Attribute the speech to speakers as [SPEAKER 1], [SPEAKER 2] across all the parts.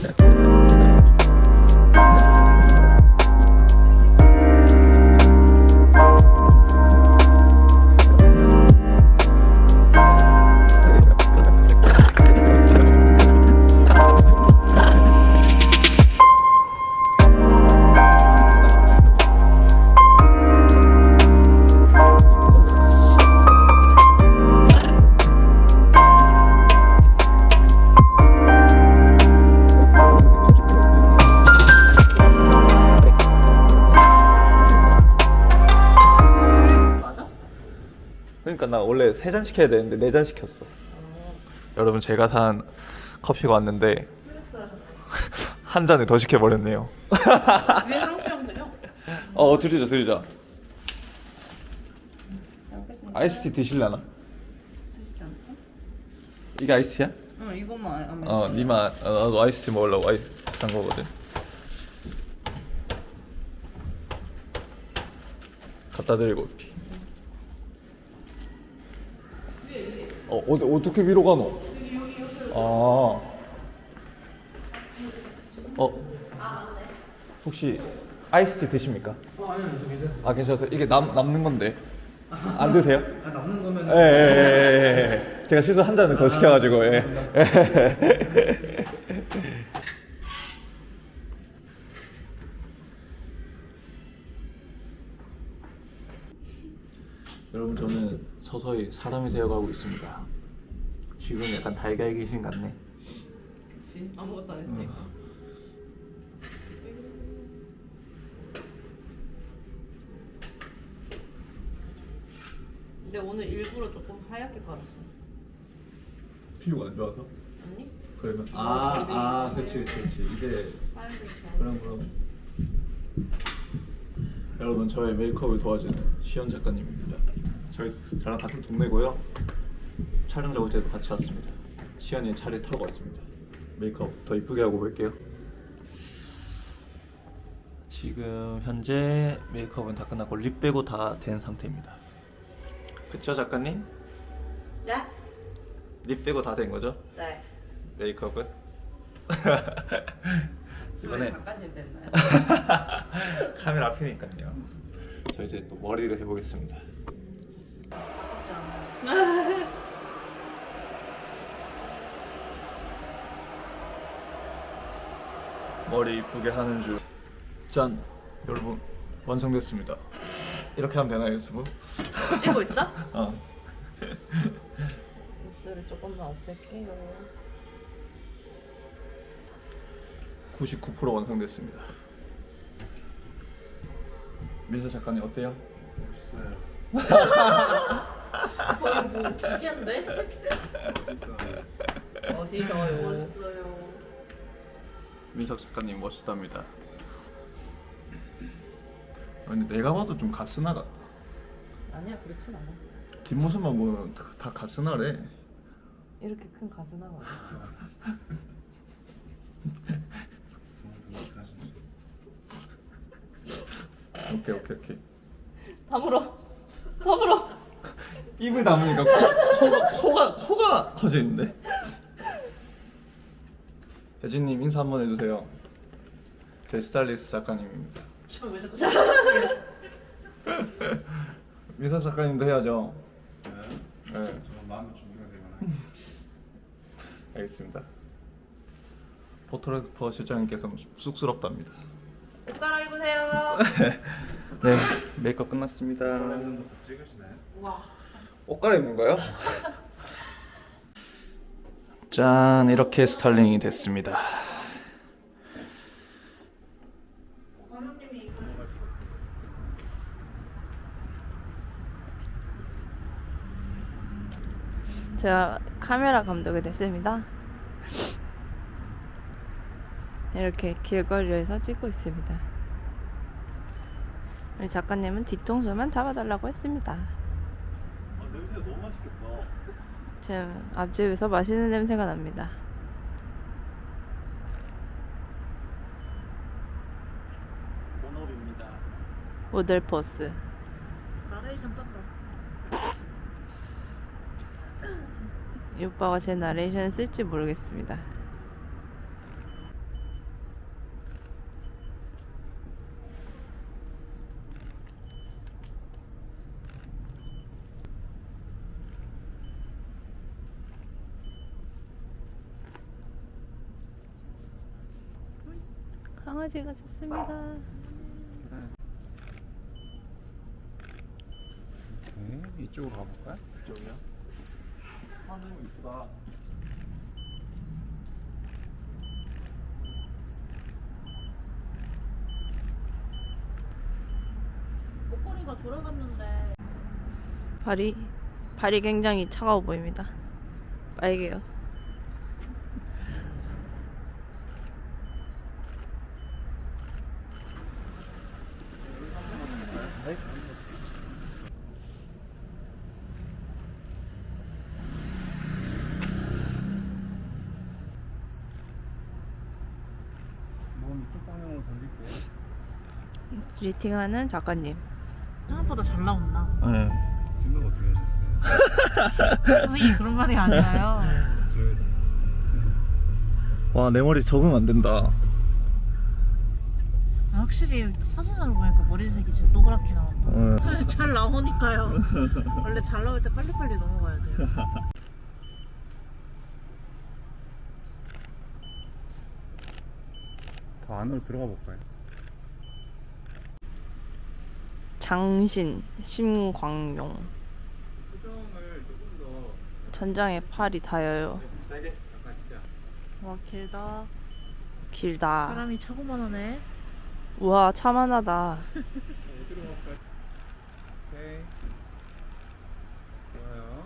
[SPEAKER 1] 그러니까 나 원래 3잔 시켜야 되는데 4잔 시켰어. 여러분 제가 산 커피가 왔는데 한 잔을 더 시켜버렸네요.
[SPEAKER 2] 위에 상수형 드려?
[SPEAKER 1] 드리자.
[SPEAKER 2] 잘 먹겠습니다.
[SPEAKER 1] 아이스티 드실려나?
[SPEAKER 2] 드시지 않을까?
[SPEAKER 1] 이게 아이스티야?
[SPEAKER 2] 응, 이것만 안 먹어.
[SPEAKER 1] 니만 나도 아이스티 먹으려고 아이스티 산 거거든. 갖다 드리고 올게. 어떻게 위로 가노? 혹시 아이스티 드십니까?
[SPEAKER 3] 아니요, 저 괜찮습니다.
[SPEAKER 1] 괜찮아요. 이게 남는 건데 안 드세요?
[SPEAKER 3] 남는 거면
[SPEAKER 1] 예. 제가 실수 한 잔을 더 시켜가지고 여러분 저는 서서히 사람이 되어가고 있습니다. 지금 약간 달걀 귀신 같네.
[SPEAKER 2] 그치? 아무것도 안 했으니까. 근데 오늘 일부러 조금 하얗게 깔았어.
[SPEAKER 1] 피부가 안 좋아서?
[SPEAKER 2] 아니?
[SPEAKER 1] 그러면 그렇지 이제
[SPEAKER 2] 하얀색 좋아.
[SPEAKER 1] 그럼 여러분 저의 메이크업을 도와주는 시연 작가님입니다. 저랑 같은 동네고요. 촬영 작업 때도 같이 왔습니다. 시연이 차를 타고 왔습니다. 메이크업 더 이쁘게 하고 볼게요. 지금 현재 메이크업은 다 끝났고 립 빼고 다 된 상태입니다. 그쵸 작가님?
[SPEAKER 2] 네?
[SPEAKER 1] 립 빼고 다 된 거죠?
[SPEAKER 2] 네.
[SPEAKER 1] 메이크업은?
[SPEAKER 2] 이번에 작가님 됐나요?
[SPEAKER 1] 카메라 앞이니까요. 저 이제 또 머리를 해보겠습니다. 머리 이쁘게 하는 줄. 짠! 여러분 완성됐습니다. 이렇게 하면 되나요 유튜브?
[SPEAKER 2] 찍고 있어? 입술을 조금만 없앨게요.
[SPEAKER 1] 99% 완성됐습니다. 민서 작가님 어때요?
[SPEAKER 3] 멋있어요.
[SPEAKER 2] 거의 뭐 기계인데?
[SPEAKER 3] 멋있어요.
[SPEAKER 2] 멋있어요.
[SPEAKER 1] 민석 작가님 멋있답니다. 근데 내가 봐도 좀 가스나 같다.
[SPEAKER 2] 아니야, 그렇진 않아.
[SPEAKER 1] 뒷모습만 보면 다 가스나래.
[SPEAKER 2] 이렇게 큰 가슴하고 어딨어.
[SPEAKER 1] 오케이.
[SPEAKER 2] 다물어.
[SPEAKER 1] 입을 다무니까 코가 커지는데. 혜진님 인사 한번 해주세요. 제 스타일리스트 작가님입니다.
[SPEAKER 2] 저왜 자꾸
[SPEAKER 1] 민석 작가님도 해야죠.
[SPEAKER 3] 네.
[SPEAKER 1] 네,
[SPEAKER 3] 저는 마음의 준비가 되거나.
[SPEAKER 1] 알겠습니다. 포토그래퍼 실장님께서 쑥스럽답니다.
[SPEAKER 2] 옷 갈아입으세요.
[SPEAKER 1] 네, 메이크업 끝났습니다.
[SPEAKER 3] 사진도 찍으시나요?
[SPEAKER 2] 와.
[SPEAKER 1] 옷 갈아입는가요? 짠, 이렇게 스타일링이 됐습니다.
[SPEAKER 2] 제가 카메라 감독이 됐습니다. 이렇게 길거리에서 찍고 있습니다. 우리 작가님은 뒤통수만 잡아달라고 했습니다.
[SPEAKER 1] 냄새가 너무 맛있겠다.
[SPEAKER 2] 지금 앞집에서 맛있는 냄새가 납니다.
[SPEAKER 1] 본업입니다.
[SPEAKER 2] 모델 포스.
[SPEAKER 4] 나레이션 쩐다.
[SPEAKER 2] 이 오빠가 제 나레이션을 쓸지 모르겠습니다. 강아지가 좋습니다.
[SPEAKER 3] 이쪽으로 가볼까요?
[SPEAKER 1] 이쪽이요? 하늘 이쁘다.
[SPEAKER 4] 목걸이가 돌아갔는데
[SPEAKER 2] 발이 굉장히 차가워 보입니다. 빨개요.
[SPEAKER 3] 몸 이쪽 방향으로 돌릴게요.
[SPEAKER 2] 리팅하는 작가님.
[SPEAKER 4] 생각보다 잘 나온다.
[SPEAKER 1] 네.
[SPEAKER 3] 생각 어떻게 하셨어요?
[SPEAKER 4] 선생님 그런 말이 아니라요.
[SPEAKER 1] 와, 내 머리 적응 안 된다.
[SPEAKER 4] 확실히 사진으로 보니까 머리색이 진짜 노랗게 나온다. 잘 나오니까요. 원래 잘 나올 때 빨리빨리 넘어가야 돼요.
[SPEAKER 3] 더 안으로 들어가 볼까요?
[SPEAKER 2] 장신 심광용.
[SPEAKER 3] 표정을 조금 더
[SPEAKER 2] 천장에 팔이 닿여요.
[SPEAKER 3] 세게 잠깐 진짜.
[SPEAKER 4] 와 길다.
[SPEAKER 2] 길다.
[SPEAKER 4] 사람이 차고만 하네.
[SPEAKER 2] 우와 차만하다.
[SPEAKER 3] 어디로 갈까요? 오케이. 좋아요.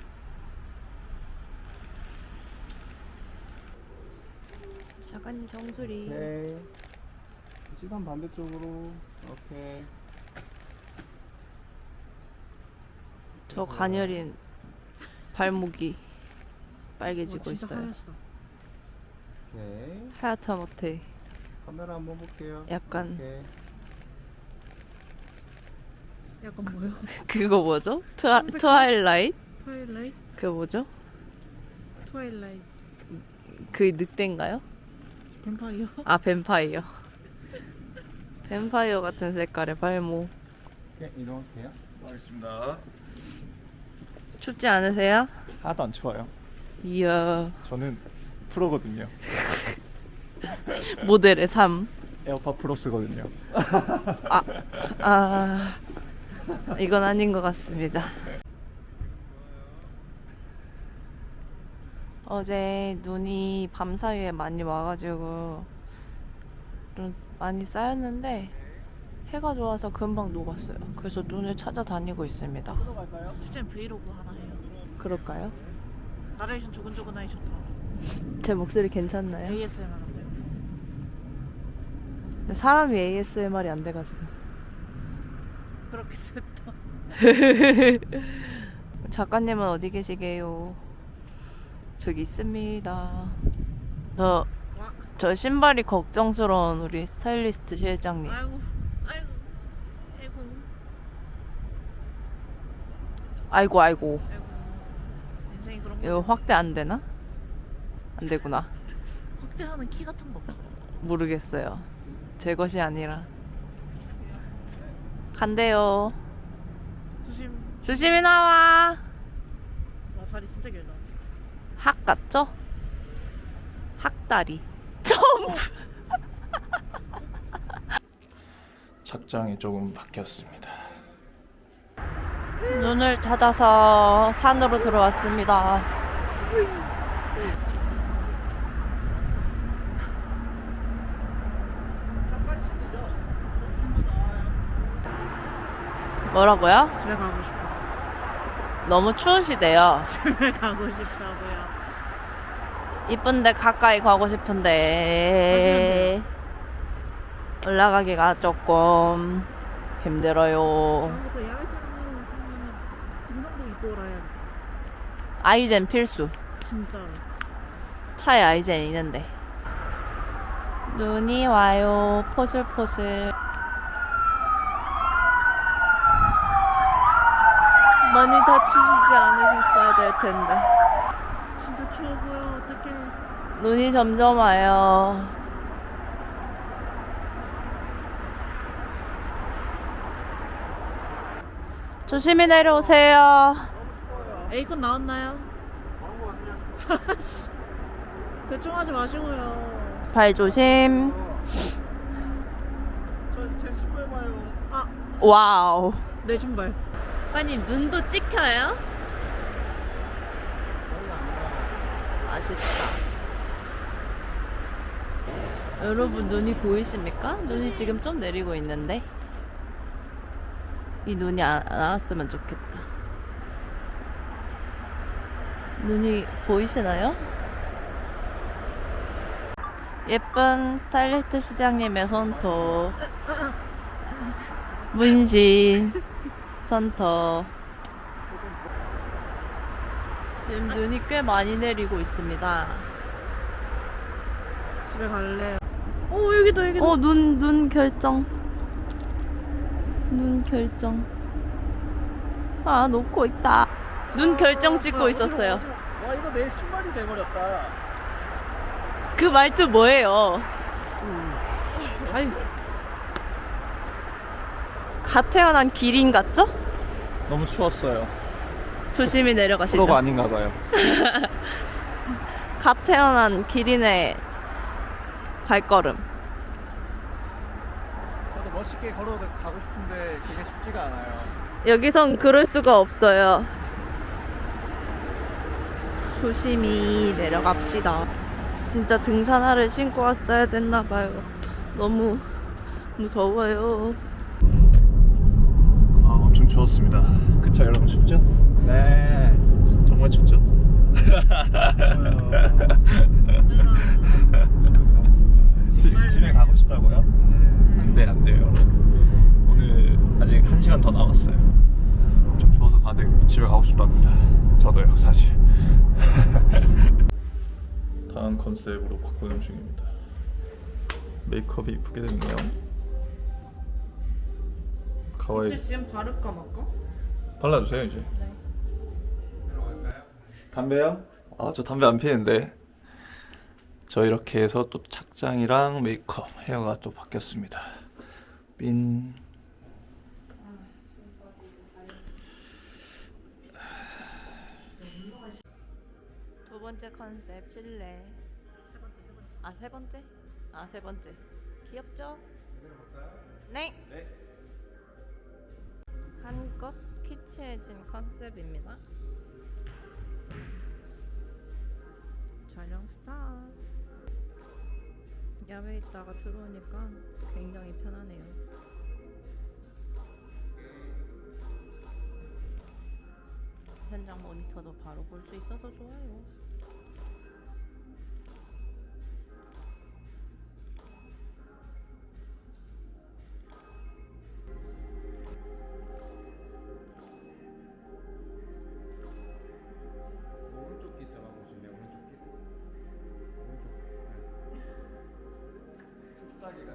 [SPEAKER 2] 작가님 정수리.
[SPEAKER 3] 오케이. 시선 반대쪽으로. 오케이.
[SPEAKER 2] 저 가녀린 발목이 빨개지고
[SPEAKER 4] 진짜
[SPEAKER 2] 있어요.
[SPEAKER 4] 하얗다.
[SPEAKER 3] 오케이.
[SPEAKER 2] 하얗다 못해.
[SPEAKER 3] 카메라 한번 볼게요.
[SPEAKER 2] 약간
[SPEAKER 3] 오케이.
[SPEAKER 4] 약간 뭐요?
[SPEAKER 2] 그거 뭐죠? 트와일라이트?
[SPEAKER 4] 트와일라이트?
[SPEAKER 2] 그거 뭐죠?
[SPEAKER 4] 트와일라이트.
[SPEAKER 2] 그 늑대인가요?
[SPEAKER 4] 뱀파이어?
[SPEAKER 2] 아 뱀파이어. 뱀파이어 같은 색깔의 발목.
[SPEAKER 3] 오케이. 이동할게요.
[SPEAKER 1] 알겠습니다.
[SPEAKER 2] 춥지 않으세요?
[SPEAKER 1] 하나도 안 추워요.
[SPEAKER 2] 이야
[SPEAKER 1] 저는 프로거든요.
[SPEAKER 2] 모델의 삶.
[SPEAKER 1] 에어팟 프로 쓰거든요.
[SPEAKER 2] 아 이건 아닌 것 같습니다. 어제 눈이 밤 사이에 많이 와가지고 좀 많이 쌓였는데 해가 좋아서 금방 녹았어요. 그래서 눈을 찾아다니고 있습니다.
[SPEAKER 4] 실제 브이로그 하나 해요.
[SPEAKER 2] 그럴까요?
[SPEAKER 4] 나레이션 조근조근하니 좋다.
[SPEAKER 2] 제 목소리 괜찮나요?
[SPEAKER 4] ASMR 안 돼요.
[SPEAKER 2] 근데 사람이 ASMR이 안 돼가지고.
[SPEAKER 4] 그렇게 됐다.
[SPEAKER 2] 작가님은 어디 계시게요? 저기 있습니다. 저 신발이 걱정스러운 우리 스타일리스트 실장님.
[SPEAKER 4] 아이고, 아이고, 아이고,
[SPEAKER 2] 아이고 아이고.
[SPEAKER 4] 아이고. 인생이 그런 거.
[SPEAKER 2] 이거 확대 안 되나? 안 되구나.
[SPEAKER 4] 확대하는 키 같은 거 없어.
[SPEAKER 2] 모르겠어요. 제 것이 아니라. 간대요.
[SPEAKER 4] 조심.
[SPEAKER 2] 조심히 나와.
[SPEAKER 4] 와 다리 진짜 길다.
[SPEAKER 2] 학 같죠? 학다리. 점프.
[SPEAKER 1] 착장이 조금 바뀌었습니다.
[SPEAKER 2] 눈을 찾아서 산으로 들어왔습니다. 뭐라고요?
[SPEAKER 4] 집에 가고 싶어.
[SPEAKER 2] 너무 추우시대요.
[SPEAKER 4] 집에 가고 싶다고요.
[SPEAKER 2] 이쁜데 가까이 가고 싶은데 올라가기가 조금 힘들어요.
[SPEAKER 4] 다음부터 야외촬영 하면은 등산복 입고 오라요.
[SPEAKER 2] 아이젠 필수.
[SPEAKER 4] 진짜로.
[SPEAKER 2] 차에 아이젠 있는데. 눈이 와요. 포슬포슬. 많이 다치시지 않으셨어야 될 텐데.
[SPEAKER 4] 진짜 추워 보여. 어떡해.
[SPEAKER 2] 눈이 점점 와요. 조심히 내려오세요.
[SPEAKER 4] 에이컨 나왔나요? 대충 하지 마시고요.
[SPEAKER 2] 발 조심. 와우.
[SPEAKER 4] 내 신발.
[SPEAKER 2] 아니 눈도 찍혀요? 맛있다. 여러분 눈이 보이십니까? 눈이 지금 좀 내리고 있는데 이 눈이 안 왔으면 좋겠다. 눈이 보이시나요? 예쁜 스타일리스트 시장님의 손톱 문신 손톱. 지금 눈이 꽤 많이 내리고 있습니다.
[SPEAKER 4] 집에 갈래. 오 여기도 여기도.
[SPEAKER 2] 눈 결정. 눈 결정. 아, 놓고 있다. 눈 결정 찍고 있었어요.
[SPEAKER 3] 와 이거 내 신발이 돼버렸다.
[SPEAKER 2] 그 말투 뭐예요?
[SPEAKER 3] 아이
[SPEAKER 2] 갓 태어난 기린 같죠?
[SPEAKER 1] 너무 추웠어요.
[SPEAKER 2] 조심히 내려가시죠.
[SPEAKER 1] 프로가 아닌가 봐요.
[SPEAKER 2] 갓 태어난 기린의 발걸음.
[SPEAKER 3] 저도 멋있게 걸어가고 싶은데 그게 쉽지가 않아요.
[SPEAKER 2] 여기선 그럴 수가 없어요. 조심히 내려갑시다. 진짜 등산화를 신고 왔어야 됐나봐요. 너무 무서워요.
[SPEAKER 1] 아, 엄청 추웠습니다. 그쵸, 여러분 춥죠?
[SPEAKER 3] 네.
[SPEAKER 1] 정말 춥죠? 집에 가고 싶다고요? 안 돼요, 여러분. 오늘 아직 1시간 더 남았어요. 좀 추워서 다들 집에 가고 싶답니다. 저도요, 사실. 다음 컨셉으로 바꾸는 중입니다. 메이크업이 이쁘게 됐네요. 가와이.
[SPEAKER 4] 지금 바를까 말까?
[SPEAKER 1] 발라주세요 이제.
[SPEAKER 4] 네.
[SPEAKER 1] 담배요? 아, 저 담배 안 피는데. 저 이렇게 해서 또 착장이랑 메이크업, 헤어가 또 바뀌었습니다. 삔.
[SPEAKER 2] 두 번째 컨셉 실내. 아, 세 번째? 아, 세 번째. 귀엽죠? 네. 한껏 키치해진 컨셉입니다. 촬영 스타트. 야외에 있다가 들어오니까 굉장히 편하네요. 현장 모니터도 바로 볼 수 있어서 좋아요.
[SPEAKER 3] 오른쪽 귀 있잖아 보시면 오른쪽 귀. 오른쪽. 네. 뚝딱이가.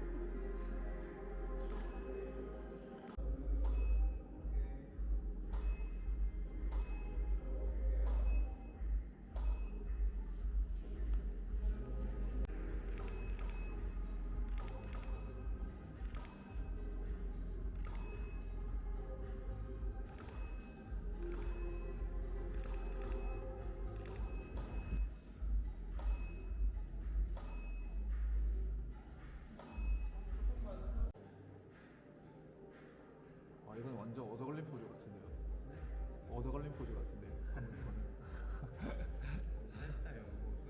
[SPEAKER 1] 아, 이건 완전 얻어걸린 포즈 같은데요. 얻어걸린 포즈 같은데요.
[SPEAKER 3] 살짝 옆모습.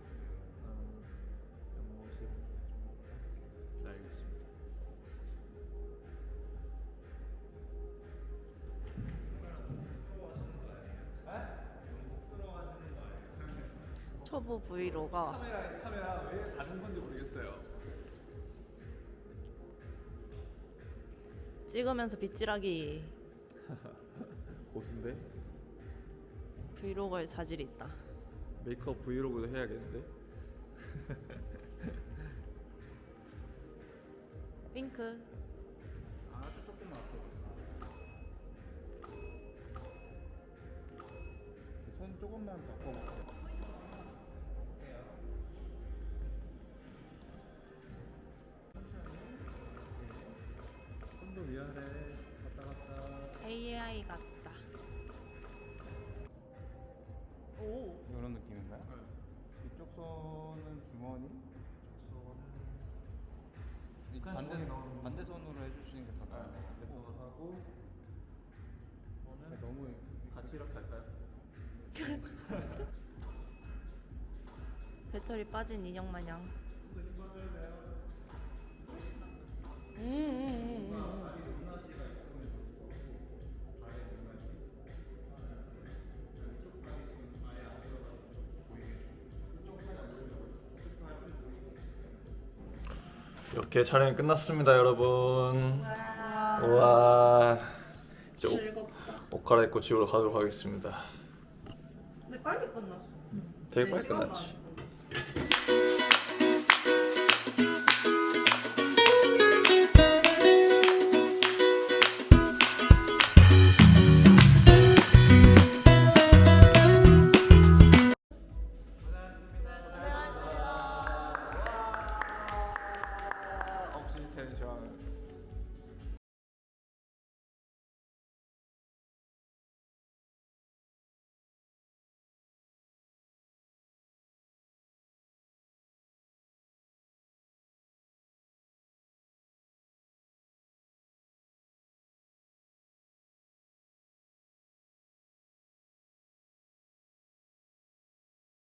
[SPEAKER 1] 옆모습. 네, 알겠습니다.
[SPEAKER 2] 초보 브이로거.
[SPEAKER 1] 카메라 왜 닫은 건지 모르겠어요.
[SPEAKER 2] 찍으면서 빗질하기.
[SPEAKER 1] 고수인데?
[SPEAKER 2] 브이로거의 자질이 있다.
[SPEAKER 1] 메이크업 브이로그도 해야겠는데?
[SPEAKER 2] 윙크.
[SPEAKER 3] 아주 조금만 앞으로. 손 조금만 바꿔. 손도 위아래 갔다 갔다.
[SPEAKER 2] AI 같다. 오.
[SPEAKER 3] 이런 느낌인가요? 이쪽 손은 주머니.
[SPEAKER 1] 그냥 주머니 넣으면
[SPEAKER 3] 반대손으로 해주시는 게 더 나아요.
[SPEAKER 1] 반대손으로 하고 저는
[SPEAKER 3] 너무
[SPEAKER 1] 같이 이렇게 할까요?
[SPEAKER 2] 배터리 빠진 인형 마냥.
[SPEAKER 1] 이렇게 촬영이 끝났습니다, 여러분. 와. 이제 옷 갈아입고 집으로 가도록 하겠습니다.
[SPEAKER 2] 근데 빨리 끝났어.
[SPEAKER 1] 되게 빨리 끝났지.